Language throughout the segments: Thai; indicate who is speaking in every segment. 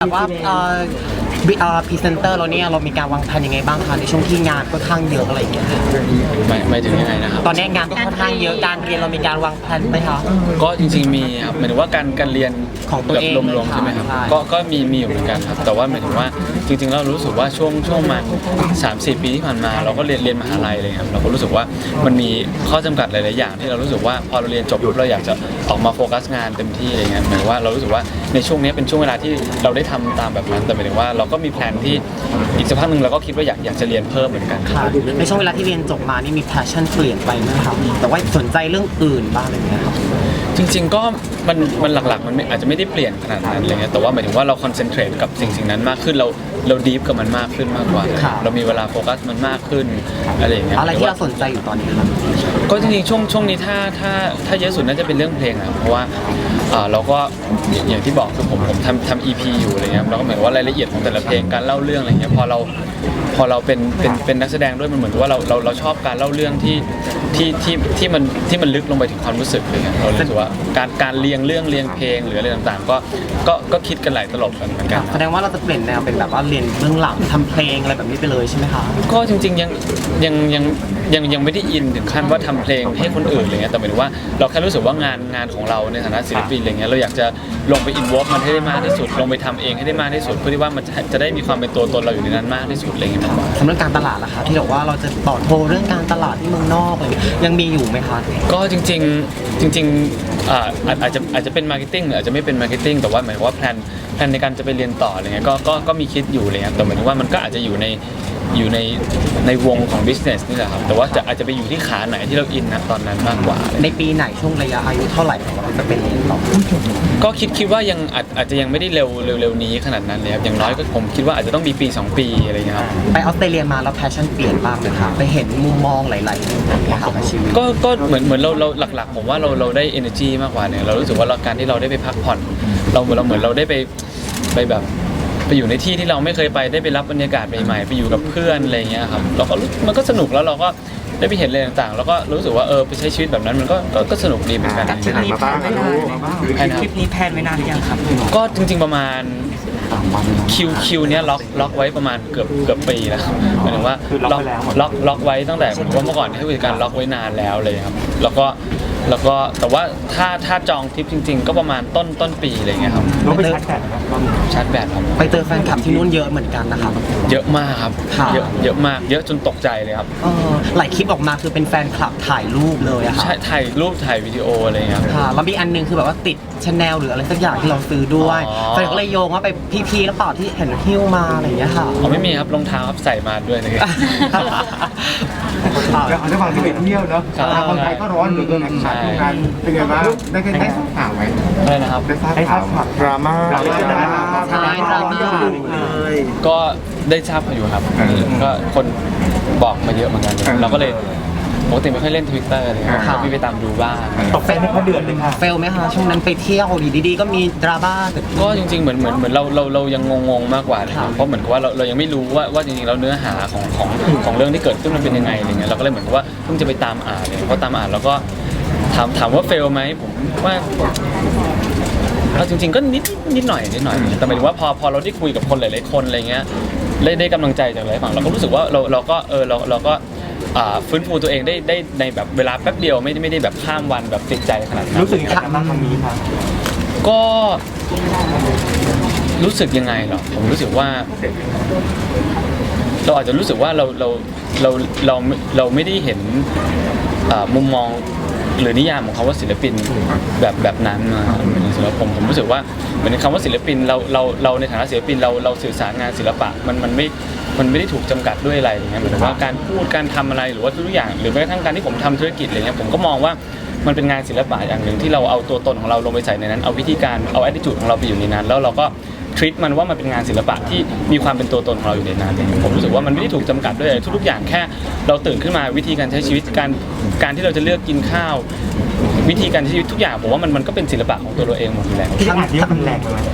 Speaker 1: แต่ว่าพรีเซนเตอร์เราเนี่ยเรามีการวางแผนยังไงบ้างคะในช่วงที่งานค่อนข้างเยอะอะไรอย่างเงี้ย
Speaker 2: หมายถึงยังไงนะครับ
Speaker 1: ตอนนี้งานก็ค่อนข้างเยอะการเรียนเรามีการวางแผนไหมคะ
Speaker 2: ก็จริงๆมีครับหมายถึงว่าการเรียน
Speaker 1: ของตัวเอง
Speaker 2: รวมๆใช่ไหมครับ
Speaker 1: ใช่
Speaker 2: ก็มีอยู่เหมือนกันครับแต่ว่าหมายถึงว่าจริงๆเรารู้สึกว่าช่วงมา3-4 ปีที่ผ่านมาเราก็เรียนมหาลัยเลยครับเราก็รู้สึกว่ามันมีข้อจำกัดหลายๆอย่างที่เรารู้สึกว่าพอเราเรียนจบปุ๊บเราอยากจะออกมาโฟกัสงานเต็มที่อะไรเงี้ยหมายถึงว่าเรารู้สึกว่าในช่วงนี้เป็นช่วงเวลาที่เราได้ทำตามแบบนั้นแต่หมายถึงว่าเราก็มีแผนที่อีกสักพักหนึ่งเราก็คิดว่าอยากจะเรียนเพิ่มเหมือนกัน
Speaker 1: ค่ะในช่วงเวลาที่เรียนจบมานี่มี passion เปลี่ยนไปไหมครับแต่ว่าสนใจเรื่องอื่นบ้างอะไรอย่างเงี้ยครับ
Speaker 2: จริงๆก็มันหลักๆมันอาจจะไม่ได้เปลี่ยนขนาดนั้นอะไรเงี้ยแต่ว่าหมายถึงว่าเราคอนเซนเทรตกับสิ่งนั้นมากขึ้นเราดีฟกับมันมากขึ้นมากกว่าเรามีเวลาโฟกัสมันมากขึ้นอะไรอย่างเงี้ย
Speaker 1: อะไรที่เราสนใจอยู่ตอนนี้ครับ
Speaker 2: ก็จริงๆช่วงนี้ถ้าเยอะสุดน่าจะเป็นเรื่องเพลงครับเพราะว่าเราก็อย่างที่บอกคือผมทำ EP อยู่อะไรเงี้ยเราก็หมายว่ารายละเอียดของแต่ละเพลงการเล่าเรื่องอะไรเงี้ยพอเราเป็นนักแสดงด้วยมันเหมือนกับว่าเราชอบการเล่าเรื่องที่มันลึกลงไปถึงความรู้สึกอะไรเงี้ยเรารู้สึกว่าการเรียงเรื่องเรียงเพลงหรืออะไรต่างๆก็คิดกันหลายตลบกันเหมือนกัน
Speaker 1: แสดงว่าเราจะเปลี่ยนแนวเป็นแบบว่าเรียนเบื้องหลังทำเพลงอะไรแบบนี้ไปเลยใช่ไหมคะ
Speaker 2: ก็จริงๆยังไม่ได้อินถึงขั้นว่าทำเพลงให้คนอื่นอะไรเงี้ยแต่หมายถึงว่าเราแค่รู้สึกว่างานของเราในฐานะศิลปินอะไรเงี้ยเราอยากจะลงไปอินวอล์ฟมันให้ได้มากที่สุดลงไปทำเองให้ได้มากที่สุดเพื่อที่ว่ามันจะได้มีความเป็นตัวตนเราอยู่ในนั้นมากที่สุดอะไรเงี้ยมากกว่า
Speaker 1: สำหรับการตลาดล่ะคะที่บอกว่าเราจะต่อโทรเรื่องการตลาดที่เมืองนอกอะไรยังมีอยู่ไหมคะ
Speaker 2: ก็จริงอาจจะเป็นมาร์เก็ตติ้งหรืออาจจะไม่เป็นมาร์เก็ตติ้งแต่ว่าหมายความว่าแพลนในการจะไปเรียนต่ออะไรเงี้ยก็มีคิดอยู่เลยครับแต่หมายถึงว่ามันก็อาจจะอยู่ในวงของ business นี่แหละครับแต่ว่าอาจจะไปอยู่ที่ขาไหนที่เราอินนะตอนนั้นมากกว่า
Speaker 1: ในปีไหนช่วงระยะอายุเท่าไหร่ของเราจะเป็นเรียนต่อ
Speaker 2: ก็คิดว่ายังอาจจะยังไม่ได้เร็วนี้ขนาดนั้นเลยครับอย่างน้อยก็ผมคิดว่าอาจจะต้องมีปี2 ปีอะไรเงี้ยครับ
Speaker 1: ไปออสเตรเลียมาแล้วแพชชั่นเปลี่ยนบ้างไหมคะไปเห็นมุมมองหลายๆอย่างเงี้ยค่ะกับชีวิต
Speaker 2: ก็เหมือนเราหลักๆผมว่าเราได้ energy มากกว่าเนี่ยเรารู้สึกว่าการที่เราได้ไปพักผ่อนเราเหมือนเราได้ไปแบบไปอยู่ในที่ที่เราไม่เคยไปได้ไปรับบรรยากาศใหม่ๆไปอยู่กับเพื่อนอะไรเงี้ยครับเราก็มันก็สนุกแล้วเราก็ได้ไปเห็นอะไรต่างๆแล้วก็รู้สึกว่าไปใช้ชีวิตแบบนั้นมันก็สนุกดีเหมือนกัน
Speaker 3: ไปไหนมาบ้างคะลูก
Speaker 1: คลิปนี้แพลนไว้นานหรือยังครับ
Speaker 2: ก็จริงๆประมาณคิวเนี้ยล็อกไว้ประมาณเกือบปีแล้วหมายถึงว่าล็อกไว้ตั้งแต่ผมว่าเมื่อก่อนให้บริการล็อกไว้นานแล้วเลยครับแล้วก็แต่ว่าถ้าจองทริปจริงๆก็ประมาณต้นปีอะไรเงี้ยครับ
Speaker 3: เราไปชาร์จแบตนะครับ
Speaker 2: ชาร์จแบตครับ
Speaker 1: ไปเจอแฟนคลับที่นู่นเยอะเหมือนกันนะครับ
Speaker 2: เยอะมากครับ
Speaker 1: ค่ะ
Speaker 2: เยอะมากเยอะจนตกใจเลยครับ
Speaker 1: หลายคลิปออกมาคือเป็นแฟนคลับถ่ายรูปเลยอะค่ะ
Speaker 2: ใช่ถ่ายรูปถ่ายวิดีโออะไรเงี้ยครับ
Speaker 1: ค่ะแล้วมีอันนึงคือแบบว่าติดชาแนลหรืออะไรสักอย่างที่เราซื้อด้วย
Speaker 2: อ๋อ
Speaker 1: แฟนก็เลยโยงว่าไปพีหรือเปล่าที่เห็นหิ้วมาอะไรอย่างเงี้ยค่ะ
Speaker 2: อ๋อไม่มีครับรองเท้าครับใส่มาด้วยนะครับ
Speaker 3: แล้วด้วยความที่ไปเที่ยวเนาะคนไทยก็ร้อนเหลือเกินนะขาดทุกการเป็นไงบ้างได้ทราบข่าวไหม
Speaker 2: อะไรนะครับ
Speaker 3: ได้ทราบข่าวดราม่า
Speaker 1: ใช่ดราม่า
Speaker 2: ก็ได้ทราบอยู่ครับก็คนบอกมาเยอะเหมือนกันเราก็เลยปกติไม่ค่อยเล่น Twitter เลยครับก็มีไปตามดูบ้าง
Speaker 3: ตกใจไม่ค่อยเดือดเลยค่ะ
Speaker 1: เฟลไหมคะช่วงนั้นไปเที่ยวดีๆก็มีดราม่าเกิดขึ้น
Speaker 2: ก็จริงๆเหมือนเรายังงงๆมากกว่าเลยครับเพราะเหมือนกับว่าเรายังไม่รู้ว่าจริงๆแล้วเนื้อหาของเรื่องที่เกิดขึ้นมันเป็นยังไงอะไรเงี้ยเราก็เลยเหมือนกับว่าเพิ่งจะไปตามอ่านเลยเพราะตามอ่านแล้วก็ถามว่าเฟลไหมผมว่าเอาจริงๆก็นิดหน่อยแต่หมายถึงว่าพอเราได้คุยกับคนหลายๆคนอะไรเงี้ยได้กำลังใจจากหลายฝั่งเราก็รู้สึกว่าเราก็ฟื้นฟูตัวเองได้ในแบบเวลาแป๊บเดียวไม่ได้แบบข้ามวันแบบติดใจขนาดนั้น
Speaker 3: รู้สึกยังไงบ้างครั้งนี้ครับ
Speaker 2: ก็รู้สึกยังไงเหรอผมรู้สึกว่าเราอาจจะรู้สึกว่าเราไม่ได้เห็นมุมมองหรือนิยามของคำว่าศิลปินแบบนั้นมาสำหรับผมรู้สึกว่าเหมือนคำว่าศิลปินเราในฐานะศิลปินเราสื่อสารงานศิลปะมันไม่ได้ถูกจำกัดด้วยอะไรอย่างเงี้ยเหมือนว่าการพูดการทำอะไรหรือว่าทุกอย่างหรือแม้กระทั่งการที่ผมทำธุรกิจอะไรเงี้ยผมก็มองว่ามันเป็นงานศิลปะอย่างหนึ่งที่เราเอาตัวตนของเราลงไปใส่ในนั้นเอาวิธีการเอา attitude ของเราไปอยู่ในนั้นแล้วเราก็treat มันว่ามันเป็นงานศิลปะที่มีความเป็นตัวตนของเราอยู่ในนั้นผมรู้สึกว่ามันไม่ได้ถูกจำกัดด้วยอะไรทุกๆอย่างแค่เราตื่นขึ้นมาวิธีการใช้ชีวิตการที่เราจะเลือกกินข้าววิธีการใช้ชีวิตทุกอย่างผมว่ามันก็เป็นศิลปะของตัวเราเองหมดอยู่แล้ว
Speaker 3: ที่อ่านเยอะมันแรงเลย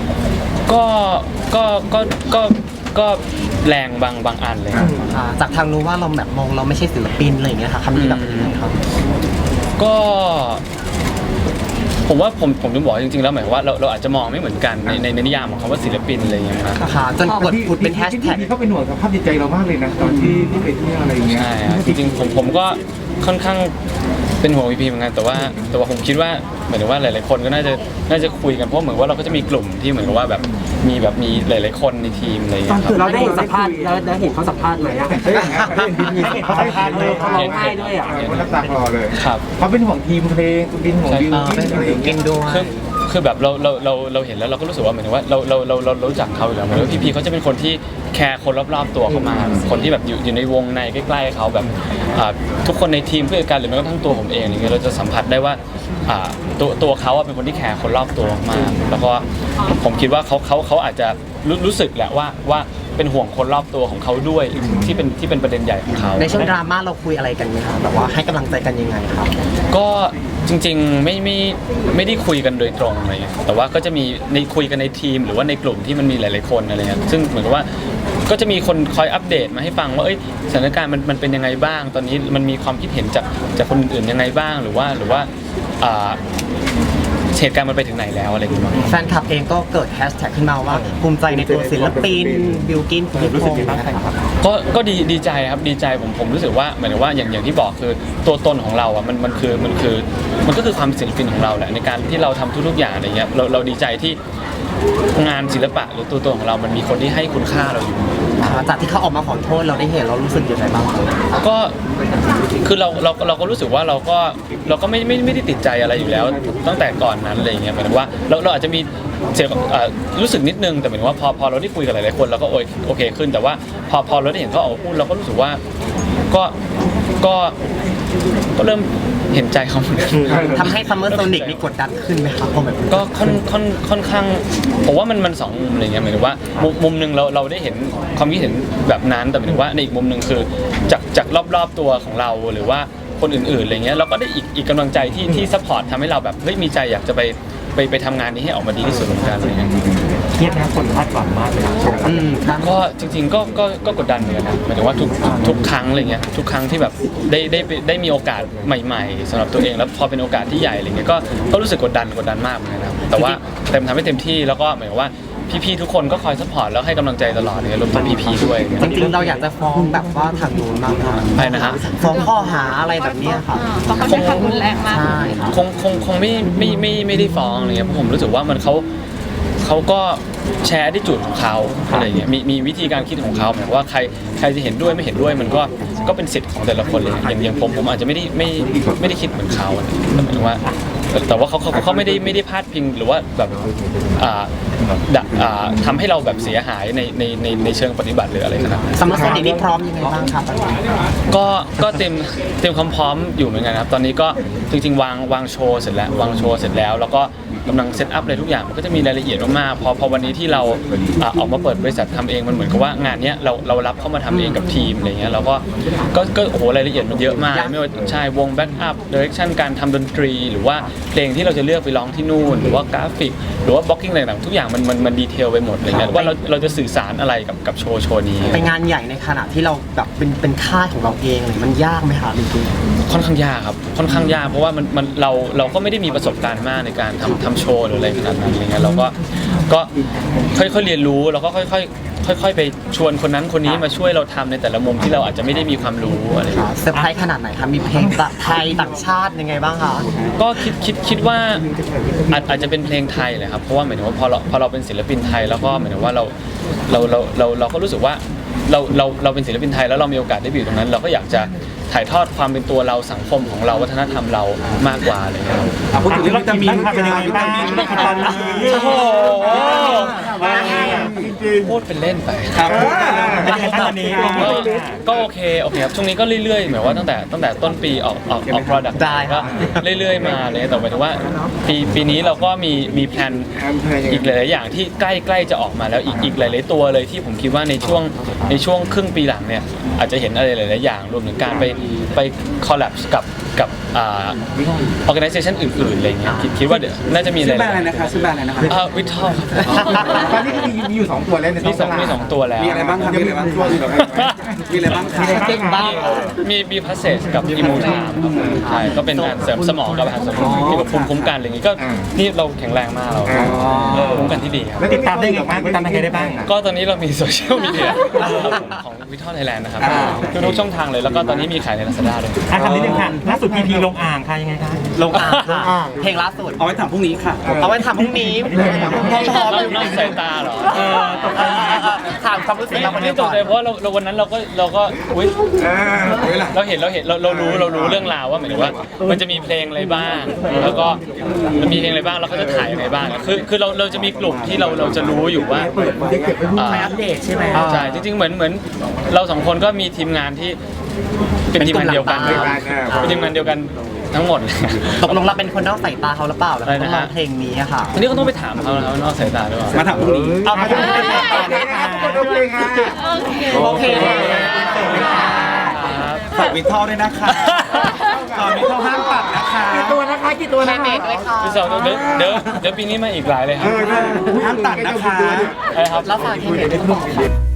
Speaker 2: ก็แรงบางอันเลยครับ
Speaker 1: จากทางนู้นว่าเราแบบมองเราไม่ใช่ศิลปินอะไรอย่างเงี้ยค่ะคำนี้แบบนี้ครับ
Speaker 2: ก็ผมว่าผมถึงบอกจริงๆแล้วหมายว่าเราอาจจะมองไม่เหมือนกันในนิยามของคำว่าศิลปินอะไรอย่างเงี้ยนะ
Speaker 1: ค่ะจนกดผุดเป็นแฮชแท็ก
Speaker 3: ที่เขาเป็นห่วงสภาพจิตใจเรามากเลยนะตอนที่ไปเที่ยวอะไรอย่างเงี้ย
Speaker 2: ใช่ครับจริงๆผมก็ค่อนข้างเป็นห่วงพีเหมือนกันแต่ว่าผมคิดว่าเหมือนว่าหลายๆคนก็น่าจะคุยกันเพราะเหมือนว่าเราก็จะมีกลุ่มที่เหมือนกับว่าแบบมีหลายๆคนในทีมอะไรอย่างเงี้ยครับ
Speaker 4: เราได้เห็นสัมภาษณ์ได้เห็นเขาสัมภาษณ์ไหมอะ
Speaker 3: เขาสัมภาษณ์เลยเขาร้องไห้ด้วยอ่ะเขาน้ำตาคลอเลย
Speaker 2: ครับ
Speaker 3: เขาเป็นห่วงทีมเพลงเป็นห่วงบิวกิ้นอะไรอย่าง
Speaker 1: กิ
Speaker 3: เงี้ย
Speaker 1: นด้วย
Speaker 2: คือแบบเราเห็นแล้วเราก็รู้สึกว่าเหมือนว่าเรารู้จักเขาอยู่แล้วเหมือนว่าพี่เขาจะเป็นคนที่แคร์คนรอบๆตัวเขามากคนที่แบบอยู่ในวงในใกล้ๆเขาแบบทุกคนในทีมเพื่อนกันหรือแม้กระทั่งตัวผมเองอย่างเงี้ยเราจะสัมผัสได้ว่าตัวเขาเป็นคนที่แคร์คนรอบตัวมากแล้วก็ผมคิดว่าเขาอาจจะรู้สึกแหละว่าเป็นห่วงคนรอบตัวของเขาด้วยที่เป็นประเด็นใหญ่ของเขา
Speaker 1: ในช่วงดราม่าเราคุยอะไรกันไหมคะแบบว่าให้กำลังใจกันยังไงครับ
Speaker 2: ก็จริงๆไม่ได้คุยกันโดยตรงอะไรเงี้ยแต่ว่าก็จะมีในคุยกันในทีมหรือว่าในกลุ่มที่มันมีหลายๆคนอะไรเงี้ยซึ่งเหมือนกับว่าก็จะมีคนคอยอัปเดตมาให้ฟังว่าสถานการณ์มันเป็นยังไงบ้างตอนนี้มันมีความคิดเห็นจากคนอื่นยังไงบ้างหรือว่าเหตุการณ์มันไปถึงไหนแล้วอะไรอย่างเงี้ย
Speaker 1: แฟนคลับเองก็เกิดแฮชแท็กขึ้นมาว่าภูมิใจในตัวศิลปินบิลกินคุณรู้สึกยังไงบ้างครับ
Speaker 2: ก็ดีใจครับดีใจผมรู้สึกว่าหมายถึงว่าอย่างที่บอกคือตัวตนของเราอ่ะมันก็คือความศิลปินของเราแหละในการที่เราทำทุกๆอย่างอะไรเงี้ยเราดีใจที่งานศิลปะหรือตัวตนของเรามันมีคนที่ให้คุณค่าเราอยู่
Speaker 1: จากที่เขาออกมาขอโทษเราได้เห็นเรารู้สึกยังไงบ้างครับ
Speaker 2: ก็คือเราก็รู้สึกว่าเราก็ไม่ได้ติดใจอะไรอยู่แล้วตั้งแต่ก่อนนั้นอะไรอย่างเงี้ยหมายถึงว่าเราอาจจะมีเสียรู้สึกนิดนึงแต่หมายถึงว่าพอเราได้คุยกับหลายๆคนเราก็โอเคขึ้นแต่ว่าพอเราได้เห็นเขาออกมาพูดเราก็รู้สึกว่าก็เริ่มเห็นใจเขาเหมือนกัน
Speaker 1: ทำให้ซัมเมอร์โซนิกนี่กดดันขึ้นไหมครับพอแบบ
Speaker 2: ก็ค่อนข้างผมว่ามันสองมุมอะไรเงี้ยหมายถึงว่ามุมหนึ่งเราได้เห็นความคิดเห็นแบบนั้นแต่หมายถึงว่าในอีกมุมหนึ่งคือจากรอบๆตัวของเราหรือว่าคนอื่นๆอะไรเงี้ยเราก็ได้อีกกำลังใจที่ซัพพอร์ตทำให้เราแบบมีใจอยากจะไปทำงานนี้ให้ออกมาดีที่สุดเหมือนกันอะไรเงี้ย
Speaker 4: เครียดนะคนคาดหวังมากเลยนะ
Speaker 2: ก็จริงๆก็กดดันเหมือนกันนะหมายถึงว่าทุกครั้งอะไรเงี้ยทุกครั้งที่แบบได้มีโอกาสใหม่ๆสำหรับตัวเองแล้วพอเป็นโอกาสที่ใหญ่อะไรเงี้ยก็รู้สึกกดดันมากเหมือนกันนะแต่ว่าทำให้เต็มที่แล้วก็หมายถึงว่าพี่ๆทุกคนก็คอยซัพพอร์ตแล้วให้กำลังใจตลอดเลยรวมถึงพี่ๆด้วย
Speaker 1: จริงๆเราอยากจะฟ้องแบบว่าทางนู้นบ้างครับ
Speaker 2: ใช่นะฮะ
Speaker 1: ฟ้องข้อหาอะไรแบบเนี้ยครับ
Speaker 5: เพราะเขาใช้คำรุนแรงมาก
Speaker 1: ใช่ครับ
Speaker 2: คงไม่ได้ฟ้องอะไรเงี้ยเพราะผมรู้สึกว่ามันเขาก็แชร์ที่จุดของเขาอะไรเงี้ยมีวิธีการคิดของเขาหมายว่าใครจะเห็นด้วยไม่เห็นด้วยมันก็เป็นสิทธิ์ของแต่ละคนเลยอย่างผมอาจจะไม่ได้คิดเหมือนเขาแต่หมายถึงว่าแต่ว่าเขาไม่ได้พาดพิงหรือว่าแบบทำให้เราแบบเสียหายในเชิงปฏิบัติหรืออะไรขนาดนั้น
Speaker 1: ซัมเมอร์โซนิกนี่พร้อมยังไงบ้างครับ
Speaker 2: ก็เตรียมความพร้อมอยู่เหมือนกันครับตอนนี้ก็จริงๆวางโชว์เสร็จแล้วแล้วก็กำลังเซตอัพอะไรทุกอย่างมันก็จะมีรายละเอียดมากๆพอวันนี้ที่เราออกมาเปิดบริษัททำเองมันเหมือนกับว่างานเนี้ยเรารับเข้ามาทำเองกับทีมอะไรเงี้ยเราก็โอ้โหรายละเอียดมันเยอะมากไม่ว่าใช่วงแบ็กอัพดิเรกชันการทำดนตรีหรือว่าเพลงที่เราจะเลือกไปร้องที่นู่นหรือว่ากราฟิกหรือว่าบล็อกกิ้งอะไรต่างๆทุกอย่างมันดีเทลไปหมดอะไรเงี้ยว่าเราจะสื่อสารอะไรกับโชว์นี้
Speaker 1: เป็นงานใหญ่ในขณะที่เราแบบเป็นค่ายของเราเองเลยมันยากไหมครับจริง
Speaker 2: ค่อนข้างยากครับค่อนข้างยากเพราะว่าเราก็ไม่ได้มีประสบการณ์มากในการทำโชว์หรืออะไรขนาดนั้นอะไรเงี้ยเราก็ค่อยๆเรียนรู้แล้วก็ค่อยๆไปชวนคนนั้นคนนี้มาช่วยเราทำในแต่ละมุมที่เราอาจจะไม่ได้มีความรู้อะไร
Speaker 1: ๆเซอร์ไพรส์ขนาดไหนครับมีเพลงไทยต่างชาติยังไงบ้างคะ
Speaker 2: ก็คิดว่าอาจจะเป็นเพลงไทยเลยครับเพราะว่าหมายถึงว่าพอเราเป็นศิลปินไทยแล้วก็หมายถึงว่าเราก็รู้สึกว่าเราเป็นศิลปินไทยแล้วเรามีโอกาสได้อยู่ตรงนั้น เราก็อยากจะถ่ายทอดความเป็นตัวเราสังคมของเราวัฒนธรรมเรามากกว่าอะไรเงี้ย
Speaker 4: พูดถึงวิตามินเป็นยังไงบ้างตอนนี้
Speaker 2: โอ้โห
Speaker 3: จริง
Speaker 2: พูดเป็นเล่นไป
Speaker 4: ครับตอนนี้
Speaker 2: ก็โอเคครับช่วงนี้ก็เรื่อยๆหมายว่าตั้งแต่ต้นปีออก product
Speaker 1: ได้ครั
Speaker 2: ก็
Speaker 1: บ
Speaker 2: เรื่อยๆมาเลยแต่หมายถึงว่าปีนี้เราก็มีแพลนอีกหลายๆอย่างที่ใกล้จะออกมาแล้วอีกหลายๆตัวเลยที่ผมคิดว่าในช่วงครึ่งปีหลังเนี่ยอาจจะเห็นอะไรหลายๆอย่างรวมถึงการไปคอลแลบกับกับorganization อื่นๆอะไรเงี้ยคิดว่าเดี๋ยวน่าจะมีอะไร
Speaker 5: ชื่อแบรนด์อะไรนะคะชื่อแบรนด์อะไรนะคะ
Speaker 2: วิทอล
Speaker 3: ตอนนี้ก็มีอยู่2ตัวแล้วใน
Speaker 2: มีสองตัวแล้ว
Speaker 5: มีอะไรบ้างครับ
Speaker 3: ยังมีตัวอื่นหรอ
Speaker 5: มีอะไรบ้างคะ
Speaker 1: เก่งบ้าง
Speaker 2: มีบีพาสเซสกับอิมูทามครับใช่ก็เป็นการเสริมสมองกับอาหารเสริมเกี่ยวกับภูมิคุ้มกันอะไรอย่างงี้ก็นี่เราแข็งแรงมากเราภูมิคุ้มกันที่ดีครับ
Speaker 4: ติดตามได้ไงบ้างติดตามได้ไงได้บ้าง
Speaker 2: ก็ตอนนี้เรามีโซเชียลมีเดียของวิทอลไทยแลนด์นะครับทุกช่องทางเลยแล้วก็ตอนนี้มีขายใน Lazada ด้วย
Speaker 4: คำนิดนึงค่ะล่าสุดพีพีลงอ่างค่ะยังไงคะ
Speaker 1: ลงอ่างค่ะเพลงล่าสุด
Speaker 5: เอาไว้ถามพรุ่งนี้ค่ะ
Speaker 1: เอาไว้ทำพรุ่งนี้พร้อม
Speaker 2: นอกสายตาเหรอ
Speaker 1: ถามความรู้สึกเราคน
Speaker 2: ไม่
Speaker 1: นี้
Speaker 2: ต
Speaker 1: ก่
Speaker 2: ก
Speaker 1: อน
Speaker 2: ใจเพราะว่าเราวันนั้นเราก็อุ๊ยเราเห็นเรารู้เรื่องราวว่าหมายถึงว่ามันจะมีเพลงอะไรบ้าง แล้วก็มันมีเพลงอะไรบ้างแล้วเขาจะถ่ายอะไรบ้างคือเราจะมีกลุ่มที่เราจะรู้อยู่ว่า
Speaker 1: ไปอัปเดตใช่ไหม
Speaker 2: ใช่จริงๆเหมือนเราสองคนก็มีทีมงานที่เป็นทีมงานเดียวกันเป็นทีมงานเดียวกันทั้งหมดเลย
Speaker 1: ตกลงเราเป็นคนนอกสายตาเขาหรือเปล่าแล้ว
Speaker 2: อะไร
Speaker 1: ต้
Speaker 2: นะ
Speaker 1: อง
Speaker 2: ฮะ
Speaker 1: มาเพลงนี้อะค่ะ
Speaker 2: ทีนี้ก็ต้องไปถามเขาแล้วว่านอกสายตาด้วย
Speaker 5: มาถามพรุ่งนี้
Speaker 1: เอามาเป็นเพลงก่อน โอเค
Speaker 5: ฝากวิทอลด้วยนะคะฝากวิทอลห้ามปัดนะคะ
Speaker 1: กี่ตัวนะคะเมกเลยค่ะ
Speaker 2: พี่สาวเดี๋ยวปีนี้มาอีกหลายเลยครับ
Speaker 5: ห้ามตัดนะคะ
Speaker 2: อะไรครับ
Speaker 1: แล้วฝากเคเมกด้วย